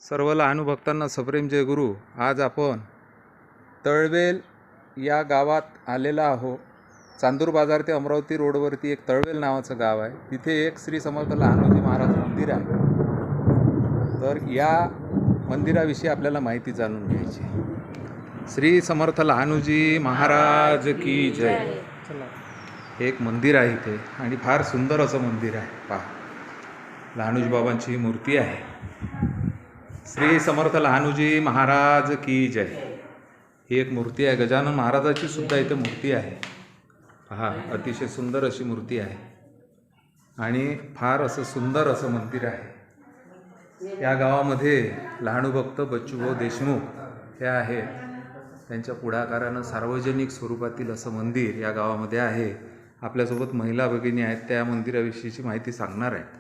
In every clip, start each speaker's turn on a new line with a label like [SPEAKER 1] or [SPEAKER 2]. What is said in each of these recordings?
[SPEAKER 1] सर्व लहानुभक्तांना सप्रेम जय गुरु. आज आपण तळवेल या गावात आलेला आहो. चांदूर बाजार ते अमरावती रोडवरती एक तळवेल नावाचं गाव आहे. तिथे एक श्री समर्थ लहानोजी महाराज मंदिर आहे. तर या मंदिराविषयी आपल्याला माहिती जाणून घ्यायची. श्री समर्थ लहानोजी महाराज की जय. एक मंदिर आहे इथे आणि फार सुंदर असं मंदिर आहे. पहा, लहानोजी बाबांची मूर्ती आहे. श्री समर्थ लहानोजी महाराज की जय. ही एक मूर्ती आहे. गजानन महाराजाची सुद्धा इथे मूर्ती आहे. पहा, अतिशय सुंदर अशी मूर्ती आहे आणि फार असं सुंदर असं मंदिर आहे. या गावामध्ये लहानुभक्त बच्चूभाऊ देशमुख हे आहे. त्यांच्या पुढाकारानं सार्वजनिक स्वरूपातील असं मंदिर या गावामध्ये आहे. आपल्यासोबत महिला भगिनी आहेत, त्या मंदिराविषयीची माहिती सांगणार आहेत.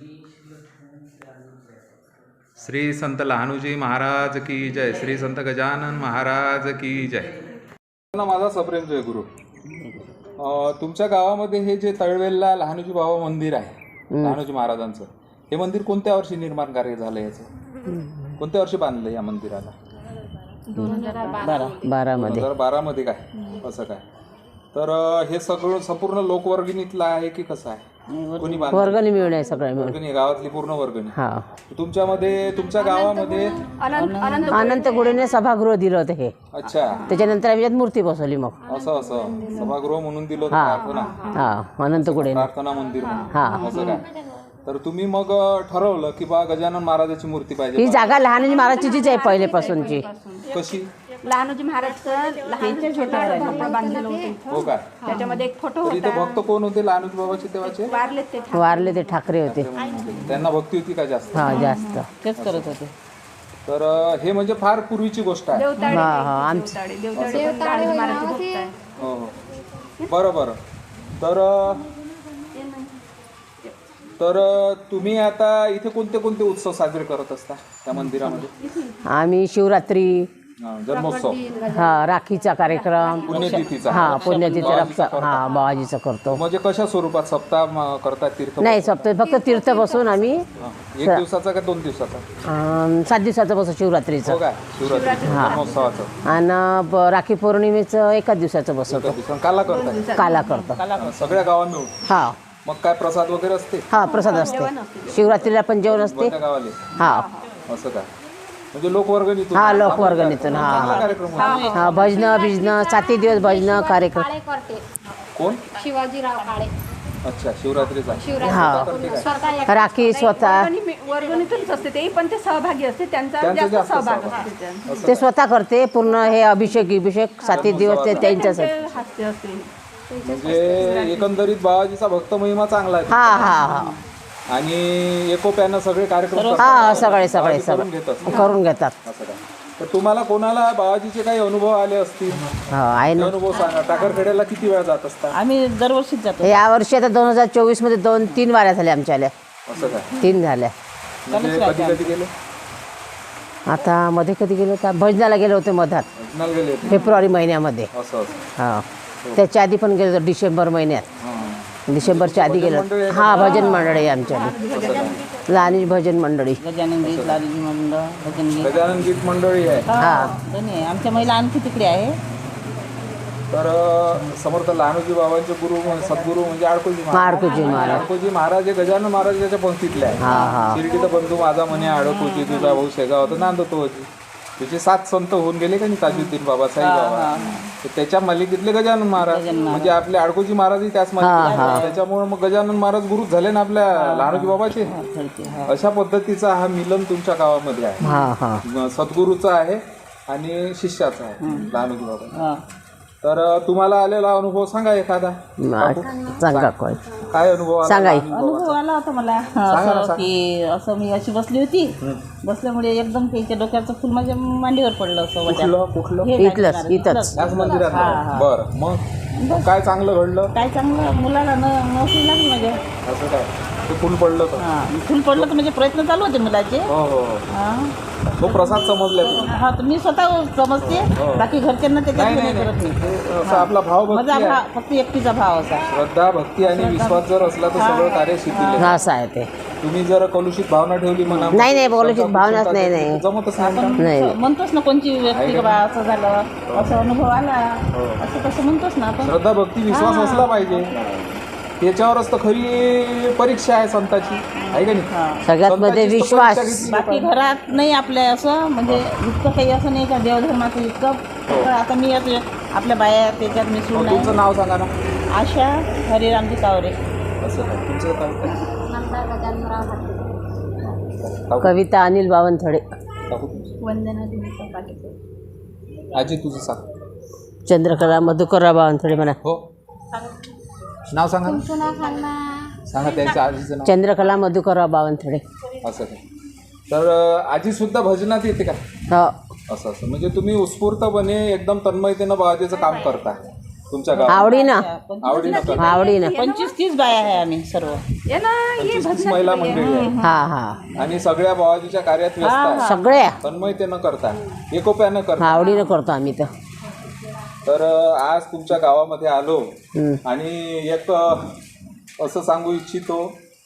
[SPEAKER 1] श्री संत लहानोजी महाराज की जय. श्री संत गजानन महाराज की जय. माझा सप्रेम जय गुरु. तुमच्या गावामध्ये हे जे तळवेलला लहानोजी बाबा मंदिर आहे, लहानोजी महाराजांचं, हे मंदिर कोणत्या वर्षी निर्माण कार्य झालं? याचं कोणत्या वर्षी बांधलं या मंदिराला? 2012 मध्ये. काय असं काय? तर हे सगळं संपूर्ण लोकवर्गणीतलं आहे की कसं आहे? कोणी
[SPEAKER 2] वर्गणी मिळून आहे? सगळं
[SPEAKER 1] वर्गणी, गावातली पूर्ण वर्गणी.
[SPEAKER 2] हा.
[SPEAKER 1] तुमच्या गावामध्ये
[SPEAKER 2] अनंत गुडेने सभागृह दिलं होतं हे.
[SPEAKER 1] अच्छा.
[SPEAKER 2] त्याच्यानंतर आम्ही यात मूर्ती बसवली. मग
[SPEAKER 1] असं सभागृह म्हणून दिलं होतं. प्रार्थना.
[SPEAKER 2] हा, अनंत गुडे
[SPEAKER 1] प्रार्थना मंदिर म्हणून.
[SPEAKER 2] हा.
[SPEAKER 1] असं काय? तर तुम्ही मग ठरवलं की बा गजानन महाराजाची मूर्ती पाहिजे.
[SPEAKER 2] ही जागा लहानोजी महाराजचीच आहे पहिलेपासूनची.
[SPEAKER 1] कशी?
[SPEAKER 3] लहानोजी महाराजचं लहानचे छोटे भोपळं बांधलेलं होतं.
[SPEAKER 1] हो का?
[SPEAKER 3] त्याच्यामध्ये एक फोटो
[SPEAKER 1] तर इथे भक्त कोण होते लहानोजी बाबाचे तेव्हाचे?
[SPEAKER 3] वारले ते
[SPEAKER 2] ते ठाकरे होते.
[SPEAKER 1] त्यांना भक्ती होती का जास्त?
[SPEAKER 2] हा, जास्त तेच करत होते.
[SPEAKER 1] तर हे म्हणजे फार पूर्वीची गोष्ट आहे. हो हो, बरं. तर तुम्ही आता इथे कोणते कोणते उत्सव साजरे करत असता त्या मंदिरामध्ये?
[SPEAKER 2] आम्ही शिवरात्री,
[SPEAKER 1] जन्मोत्सव,
[SPEAKER 2] हा, राखीचा कार्यक्रम,
[SPEAKER 1] पुण्यतिथीचा.
[SPEAKER 2] हा, पुण्यतिथी रक्षा, हा, बाबाजीचा करतो.
[SPEAKER 1] म्हणजे कशा स्वरूपात? सप्ताह करतात? तीर्थ?
[SPEAKER 2] नाही, सप्ताह फक्त तीर्थ बसून आम्ही.
[SPEAKER 1] 1 दिवसाचा का 2 दिवसाचा?
[SPEAKER 2] 7 दिवसाचं बसून शिवरात्रीचं.
[SPEAKER 1] हो का? शिवरात्री जन्मोत्सवाचं.
[SPEAKER 2] आणि राखी पौर्णिमेचं 1 दिवसाचं बसवतो.
[SPEAKER 1] काला करतात?
[SPEAKER 2] काला करतो
[SPEAKER 1] सगळ्या गावात मिळून.
[SPEAKER 2] हा.
[SPEAKER 1] मग काय प्रसाद वगैरे असते?
[SPEAKER 2] हा, प्रसाद असते. शिवरात्रीला पण जेवण असते.
[SPEAKER 1] गावाले.
[SPEAKER 2] हा.
[SPEAKER 1] असं काय? म्हणजे लोकवर्गणीतून?
[SPEAKER 2] हा, लोकवर्गणीतून. हा
[SPEAKER 1] कार्यक्रम.
[SPEAKER 2] हा, भजन 7 दिवस भजन कार्यक्रम.
[SPEAKER 1] कोण?
[SPEAKER 3] शिवाजीराव काळे.
[SPEAKER 1] अच्छा, शिवरात्रीचा.
[SPEAKER 2] हा, राखी स्वतः
[SPEAKER 3] वर्गणीतूनच असते ते, पण ते सहभागी असते. त्यांचा जास्त सहभाग असते.
[SPEAKER 2] ते स्वतः करते पूर्ण. हे अभिषेक 7 दिवस ते त्यांच्यासाठी.
[SPEAKER 3] हास्य असते.
[SPEAKER 1] म्हणजे एकंदरीत बाबाजीचा भक्त महिमा चांगला आहे.
[SPEAKER 2] हा हा हा.
[SPEAKER 1] आणि एकोप्यानं सगळे कार्यक्रम
[SPEAKER 2] हा, सगळे करून घेतात.
[SPEAKER 1] असं काय? तर तुम्हाला कोणाला बाबाजीचे काही अनुभव आले असतील?
[SPEAKER 2] आहे ना.
[SPEAKER 1] अनुभव सांगा. टाकरखेड्याला किती वेळा जात असता?
[SPEAKER 2] आम्ही दरवर्षीच जातो. या वर्षी आता 2024 मध्ये 2-3 वाऱ्या झाल्या आमच्या.
[SPEAKER 1] असं काय?
[SPEAKER 2] 3 झाल्या.
[SPEAKER 1] म्हणजे कधी गेले?
[SPEAKER 2] आता मध्ये कधी गेलो होता? भजनाला गेलो होते मधात,
[SPEAKER 1] भजनाला गेले होते
[SPEAKER 2] फेब्रुवारी महिन्यामध्ये.
[SPEAKER 1] असं.
[SPEAKER 2] हा, त्याच्या आधी पण गेलो होतो डिसेंबर महिन्यात. डिसेंबरच्या आधी गेलो. हा, भजन मंडळी आमच्या लहानोजी भजन मंडळी.
[SPEAKER 4] गजानन
[SPEAKER 1] गीत मंडळी आहे.
[SPEAKER 2] हा,
[SPEAKER 4] आमच्या महिला आणखी तिकडे आहे.
[SPEAKER 1] तर समर्थ लहानोजी बाबांचे गुरु सद्गुरू म्हणजे आडकोजी महाराज हे गजानन महाराजाच्या पंक्तीतले आहे. शिर्डीचा बंधू माझा म्हणे आडकोजी, तुझा भाऊ शेगाव तर नांदतो होती. त्याचे 7 संत होऊन गेले का नाही? ताजुद्दीन बाबा, साई बाबा. त्याच्या मालिकेतले गजानन महाराज म्हणजे आपले आडकोजी महाराजही त्याच मालिकेत. त्याच्यामुळे मग गजानन महाराज गुरु झाले ना आपल्या लहानोजी बाबाचे. अशा पद्धतीचा हा मिलन तुमच्या गावामध्ये आहे. सद्गुरूचा आहे आणि शिष्याचा आहे लहानोजी बाबा. तर तुम्हाला आलेला अनुभव सांगा एखादा.
[SPEAKER 2] सांगा.
[SPEAKER 1] काय अनुभव
[SPEAKER 2] सांगा.
[SPEAKER 4] अनुभव आला होता मला असं की असं मी अशी बसली होती. बसल्यामुळे एकदम त्याच्या डोक्याचं फुल माझ्या मांडीवर पडलं. असं
[SPEAKER 1] कुठलं?
[SPEAKER 2] इथंच
[SPEAKER 1] त्याच मंदिरात. बरं, मग काय चांगलं घडलं?
[SPEAKER 4] काय चांगलं, मुलाला नोकरी लागली माझ्या.
[SPEAKER 1] असं काय? ते फुल पडलं तर?
[SPEAKER 4] फुल पडलं तर म्हणजे प्रयत्न चालू होते मुलाचे.
[SPEAKER 1] तो प्रसाद समजला तुम्ही?
[SPEAKER 4] हा, तर मी स्वतः समजते. बाकी घरच्यांना त्याच्यात नाही करत नाही.
[SPEAKER 1] असं आपला भाव
[SPEAKER 4] माझा फक्त एकटीचा भाव असा.
[SPEAKER 1] श्रद्धा, भक्ती आणि विश्वास जर असला तर सगळं कार्य शिथिल आहे.
[SPEAKER 2] असं आहे ते.
[SPEAKER 1] तुम्ही जर कलुषित भावना ठेवली म्हणा
[SPEAKER 2] नाही, नाही, कलुषित भावनाच नाही, नाही.
[SPEAKER 1] जमतच नाही का?
[SPEAKER 2] नाही.
[SPEAKER 4] म्हणतोच ना कोणची व्यक्ती का बा असं झालं असं अनुभव आला असं तसं म्हणतोच ना आपण.
[SPEAKER 1] श्रद्धा भक्ती विश्वास असला पाहिजे. त्याच्यावरच तर खरी परीक्षा आहे संताची, आहे का नाही?
[SPEAKER 2] सगळ्यात मध्ये
[SPEAKER 1] संताचीच तर
[SPEAKER 2] विश्वास.
[SPEAKER 1] परीक्षा घेतली
[SPEAKER 4] बाकी
[SPEAKER 1] पाहिजे.
[SPEAKER 4] घरात नाही आपल्या असं म्हणजे इतकं काही असं नाही का देवधर्माचं इतकं. तर आता मी आपल्या बाया त्याच्यात मिसळून
[SPEAKER 1] मग तुमचं
[SPEAKER 4] नाही.
[SPEAKER 1] नाव सांगा ना.
[SPEAKER 4] आशा हरिरामजी कावरे.
[SPEAKER 1] असं काय तुमचं काय?
[SPEAKER 2] कविता अनिल बावनथडे.
[SPEAKER 1] टाकू तुमचं.
[SPEAKER 3] वंदना दिनेश पाटील.
[SPEAKER 1] आजी तुझं सांग.
[SPEAKER 2] चंद्रकला मधुकरराव बावनथडे म्हणा.
[SPEAKER 1] हो नाव सांगा ना. सांगा त्यांच्या आजीचं नाव.
[SPEAKER 2] चंद्रकला मधुकरराव बावनथडे.
[SPEAKER 1] असं काय. तर आजी सुद्धा भजनात येते का?
[SPEAKER 2] हो,
[SPEAKER 1] असं म्हणजे तुम्ही उत्स्फूर्तपणे एकदम तन्मयतेनं बाबाजीचं काम करता तुमच्या गावात.
[SPEAKER 2] आवडीनं
[SPEAKER 1] आवडीनं करता.
[SPEAKER 2] आवडीनं.
[SPEAKER 4] 25-30 बाया आहे आम्ही सर्व.
[SPEAKER 3] ये ना ये
[SPEAKER 1] 25-30 महिला मंडळी आहे
[SPEAKER 2] हा हा
[SPEAKER 1] आणि सगळ्या बाबाजीच्या कार्यात व्यस्त आहे.
[SPEAKER 2] सगळ्या
[SPEAKER 1] तन्मयतेनं करता, एकोप्यानं करता.
[SPEAKER 2] आवडीनं करतो आम्ही तर.
[SPEAKER 1] तर आज तुमच्या गावामध्ये आलो
[SPEAKER 2] हम्म.
[SPEAKER 1] आणि एक असं सांगू इच्छितो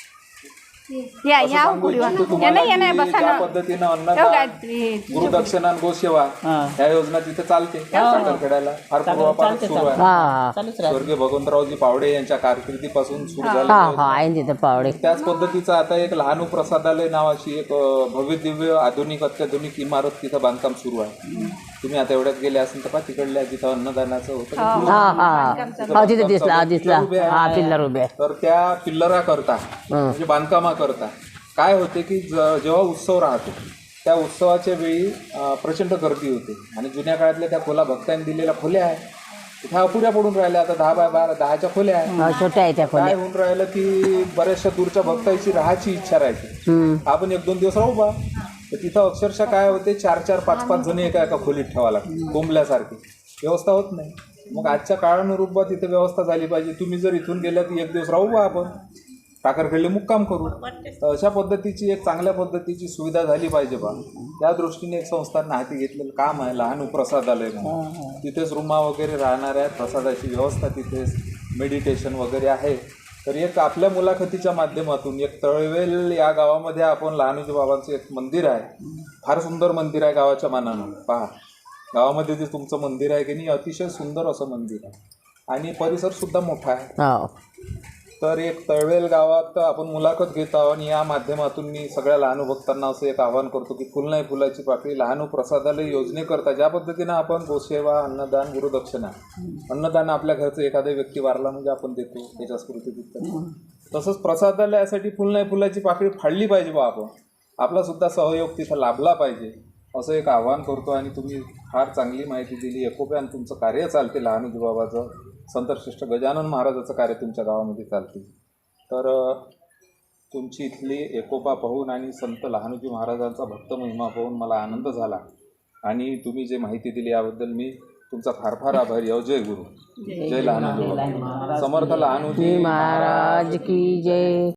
[SPEAKER 3] या
[SPEAKER 1] असं
[SPEAKER 3] या
[SPEAKER 1] सांगू
[SPEAKER 3] पुढे
[SPEAKER 1] इच्छितो
[SPEAKER 3] ये
[SPEAKER 1] तुम्हाला
[SPEAKER 3] ना ये ना
[SPEAKER 1] की
[SPEAKER 3] बसा
[SPEAKER 1] ज्या
[SPEAKER 3] ना.
[SPEAKER 1] पद्धतीनं
[SPEAKER 3] हो
[SPEAKER 1] अन्नदान,
[SPEAKER 3] गायत्री.
[SPEAKER 1] गुरुदक्षिणा आणि गोसेवा
[SPEAKER 4] हां.
[SPEAKER 1] या योजना तिथे चालते साखरखेड्याला फार पूर्वापासून
[SPEAKER 4] चालते,
[SPEAKER 1] सुरू आहे.
[SPEAKER 2] हा
[SPEAKER 4] चालूच राहते.
[SPEAKER 1] स्वर्गीय भगवंतरावजी पावडे यांच्या कारकिर्दीपासून सुरू
[SPEAKER 2] हा
[SPEAKER 1] झालं.
[SPEAKER 2] हा आहे तिथं पावडे.
[SPEAKER 1] त्याच पद्धतीचं आता एक लहानू प्रसादालय नावाची एक भव्य दिव्य आधुनिक अत्याधुनिक इमारत तिथं बांधकाम सुरू आहे. तुम्ही आता एवढ्यात गेले असेल तर तिकडल्या जिथं अन्नदानाचं होतं
[SPEAKER 2] हा हा हो तिथे दिसला दिसला. हा पिल्लर उभे आहे.
[SPEAKER 1] तर त्या पिल्लरा करता म्हणजे बांधकामा करता काय होते की जेव्हा उत्सव राहतो त्या उत्सवाच्या वेळी प्रचंड गर्दी होते आणि जुन्या काळातल्या त्या खोल्या भक्तांनी दिलेल्या खोल्या आहे त्या अपुऱ्या पडून राहिल्या. आता 10x10 खोल्या आहे.
[SPEAKER 2] हा, छोट्या आहे त्या खोल्या.
[SPEAKER 1] काय होऊन राहिलं की बऱ्याचशा दूरच्या भक्तांची राहायची इच्छा राहायची. आपण 1-2 दिवस राहू बा. तर तिथं अक्षरशः काय होते 4-4, 5-5 जण एका खोलीत ठेवा लागते. कोंबल्यासारखी व्यवस्था होत नाही. मग आजच्या काळानुरूप बा तिथे व्यवस्था झाली पाहिजे. तुम्ही जर इथून गेल्या तर 1 दिवस राहू बा आपण टाकरखेडले मुक्काम करू. तर अशा पद्धतीची एक चांगल्या पद्धतीची सुविधा झाली पाहिजे बा. त्या दृष्टीने एक संस्थांनी हाती घेतलेलं काम आहे लहानू प्रसादालय म्हणून. तिथेच रूमा वगैरे राहणार आहेत, प्रसादाची व्यवस्था तिथेच, मेडिटेशन वगैरे आहे. तर एक आपल्या मुलाखतीच्या माध्यमातून एक तळवेल या गावामध्ये आपण लहानूजी बाबांचं एक मंदिर आहे. फार सुंदर मंदिर आहे गावाच्या मानानं. पहा गावामध्ये जे तुमचं मंदिर आहे की नाही अतिशय सुंदर असं मंदिर आहे आणि परिसरसुद्धा मोठा आहे.
[SPEAKER 2] हो
[SPEAKER 1] तर एक तळवेल गावात आपण मुलाखत घेत आहोत आणि या माध्यमातून मी सगळ्या लहानू भक्तांना असं एक आवाहन करतो की फुल नाही फुलाची पाकळी लहानू प्रसादालय योजनेकरता ज्या पद्धतीनं आपण गोसेवा, अन्नदान, गुरुदक्षिणा, अन्नदान आपल्या घरचं एखादा व्यक्ती वारला म्हणजे आपण देतो त्याच्या स्मृतीत, तसंच प्रसादालयासाठी फुल नाही फुलाची पाकळी फाडली पाहिजे बा. आपण आपला सुद्धा सहयोग तिथं लाभला पाहिजे असं एक आवाहन करतो. आणि तुम्ही फार चांगली माहिती दिली. एकोप्यानं तुमचं कार्य चालते लहानूजी बाबाचं. संतश्रेष्ठ गजानन महाराजाचं कार्य तुमच्या गावामध्ये चालते. तर तुमची इथली एकोपा पाहून आणि संत लहानूजी महाराजांचा भक्त महिमा पाहून मला आनंद झाला आणि तुम्ही जे माहिती दिली याबद्दल मी तुमचा फार फार आभारी आहे. जय गुरु, जय लहानूजी. समर्थ लहानूजी
[SPEAKER 2] महाराज की जय.